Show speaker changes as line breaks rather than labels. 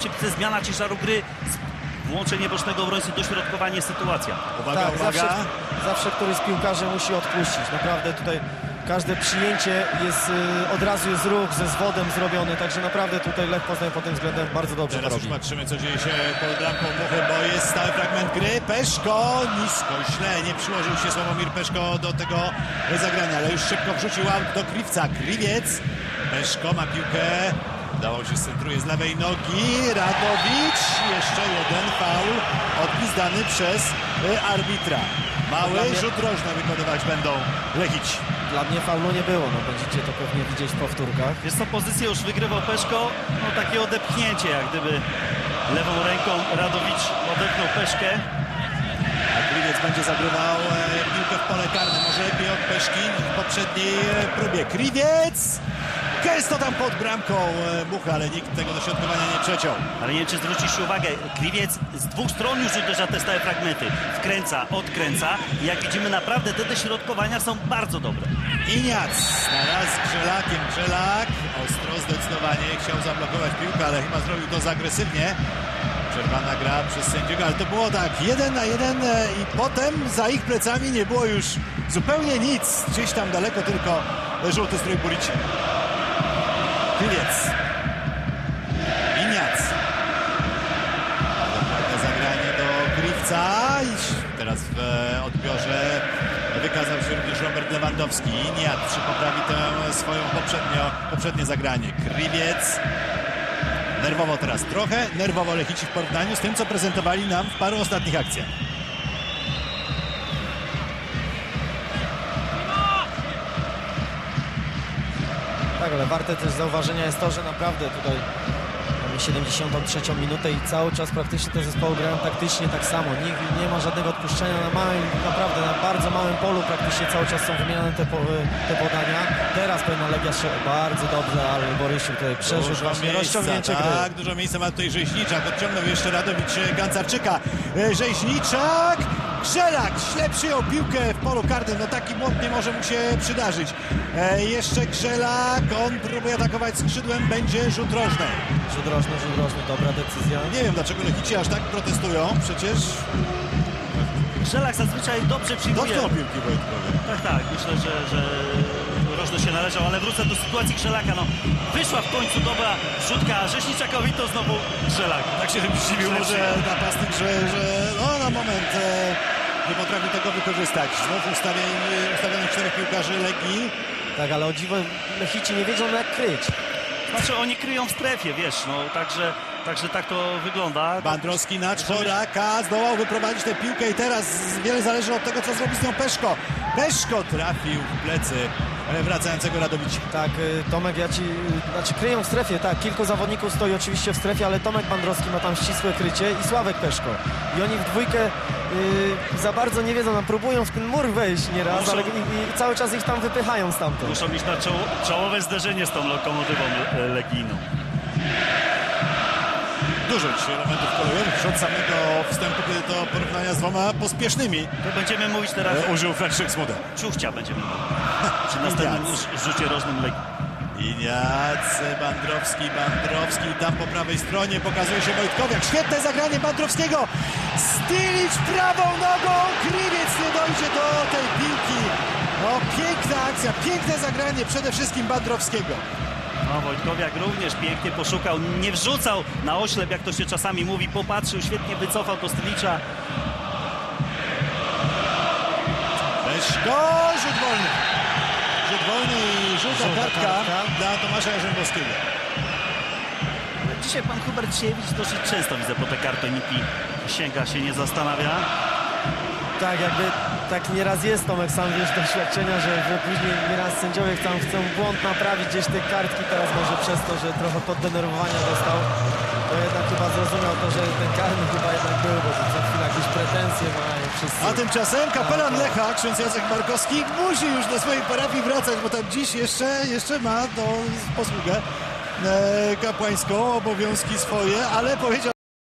Zmiana ciężaru gry, włączenie bocznego obrońcy, dośrodkowanie, sytuacja.
Uwaga,
Tak,
uwaga.
zawsze któryś z piłkarzy musi odpuścić. Naprawdę tutaj każde przyjęcie jest, od razu jest ruch ze zwodem zrobiony, także naprawdę tutaj Lech Poznań pod tym względem bardzo dobrze
Teraz
to
już
robi.
patrzymy, co dzieje się pod bramką Muchy, bo jest stały fragment gry. Peszko nisko, źle, nie przyłożył się Sławomir Peszko do tego zagrania, ale już szybko wrzucił aut do Kriwca. Kriwiec, Peszko ma piłkę, udało się, centruje z lewej nogi. Radowicz, jeszcze jeden faul odpizdany przez arbitra. Mały rzut rożny wykonywać będą Lechici.
Dla mnie faulu nie było, no będziecie to pewnie widzieć w powtórkach.
Wiesz co, pozycję już wygrywał Peszko, no takie odepchnięcie, jak gdyby lewą ręką Radowicz odepchnął Peszkę.
A Kriwiec będzie zagrywał piłkę w pole karne, może lepiej od Peszki w poprzedniej próbie. Kriwiec! Gęsto tam pod bramką Mucha, ale nikt tego dośrodkowania nie przeciął.
Ale nie wiem, czy zwróciliście uwagę, Kriwiec z dwóch stron już uderza te stałe fragmenty. Wkręca, odkręca i jak widzimy, naprawdę te dośrodkowania są bardzo dobre.
Iniac na raz z Grzelakiem. Grzelak ostro, zdecydowanie chciał zablokować piłkę, ale chyba zrobił to za agresywnie. Przerwana gra przez sędziego, ale to było tak 1 na 1 i potem za ich plecami nie było już zupełnie nic. Gdzieś tam daleko tylko żółty strój Burici. Kriwiec. Iniac. Dokładne zagranie do Kriwca. I teraz w odbiorze wykazał się również Robert Lewandowski. Iniac przypoprawi tę swoją poprzednie zagranie. Kriwiec. Nerwowo teraz trochę. Nerwowo Lechici w porównaniu z tym, co prezentowali nam w paru ostatnich akcjach.
Tak, ale warte też zauważenia jest to, że naprawdę tutaj mamy 73 minutę i cały czas praktycznie te zespoły grają taktycznie tak samo. Nikt nie ma żadnego odpuszczenia na małym, naprawdę na bardzo małym polu praktycznie cały czas są wymieniane te podania. Teraz pewna Legia się bardzo dobrze, ale Borysiu tutaj przeżył właśnie rozciągnięcie gry.
Tak, dużo miejsca ma tutaj Rzeźniczak. Odciągnął jeszcze Radowicz Gancarczyka. Rzeźniczak! Grzelak źle przyjął piłkę w polu karnym. No taki błąd nie może mu się przydarzyć. Jeszcze Grzelak. On próbuje atakować skrzydłem. Będzie rzut rożny.
Rzut rożny, dobra decyzja.
Nie wiem, dlaczego Lechici aż tak protestują. Przecież
Grzelak zazwyczaj dobrze przyjmuje.
dotknął piłki Wojtkowie.
Tak, myślę, że rożny się należał, ale wrócę do sytuacji Grzelaka. No, wyszła w końcu dobra rzutka, a Rzeźniczakowi to znowu Grzelak.
Tak się zdziwił może napastnik, że no, na moment nie potrafił tego wykorzystać. Znów ustawionych 4 piłkarzy Legii.
Tak, ale o dziwo Lechici nie wiedzą jak kryć.
Znaczy oni kryją w strefie, wiesz, no także tak to wygląda.
Bandrowski na Czworaka zdołał wyprowadzić tę piłkę i teraz wiele zależy od tego, co zrobi z nią Peszko. Peszko trafił w plecy wracającego Radowicza.
Tak, Tomek, znaczy kryją w strefie, tak, kilku zawodników stoi oczywiście w strefie, ale Tomek Bandrowski ma tam ścisłe krycie i Sławek Peszko. I oni w dwójkę za bardzo nie wiedzą, no, próbują w ten mur wejść nieraz, ale i cały czas ich tam wypychają stamtąd.
Muszą mieć na czołowe zderzenie z tą lokomotywą legijną.
Dużo dzisiaj elementów kolejowych od samego wstępu, kiedy to porównania z dwoma pospiesznymi
To będziemy mówić teraz
użył Franciszek Smuda.
Ciuchcia będziemy mówić przy następnym rzucie rożnym Legii.
Iniac, Bandrowski tam po prawej stronie pokazuje się Wojtkowiak. Świetne zagranie Bandrowskiego. Stilić prawą nogą. Kriwiec nie dojdzie do tej piłki. No, piękna akcja, piękne zagranie przede wszystkim Bandrowskiego.
No, Wojtkowiak również pięknie poszukał, nie wrzucał na oślep, jak to się czasami mówi, popatrzył, świetnie wycofał to Stylicza.
Peszko, rzut wolny. Rzut wolny i żółta kartka dla Tomasza Jarzębowskiego.
Dzisiaj pan Hubert Siewicz dosyć często widzę po te kartoniki, sięga się, nie zastanawia.
Tak, jakby tak nieraz jest, Tomek, sam wiesz doświadczenia, że później nieraz sędziowie chcą błąd naprawić gdzieś te kartki, teraz może przez to, że trochę poddenerwowania dostał, to jednak chyba zrozumiał to, że ten karny chyba jednak był, bo za chwilę jakieś pretensje mają wszyscy.
A tymczasem kapelan Lecha, ksiądz Jacek Markowski, musi już do swojej parafii wracać, bo tam dziś jeszcze ma posługę kapłańską, obowiązki swoje, ale powiedział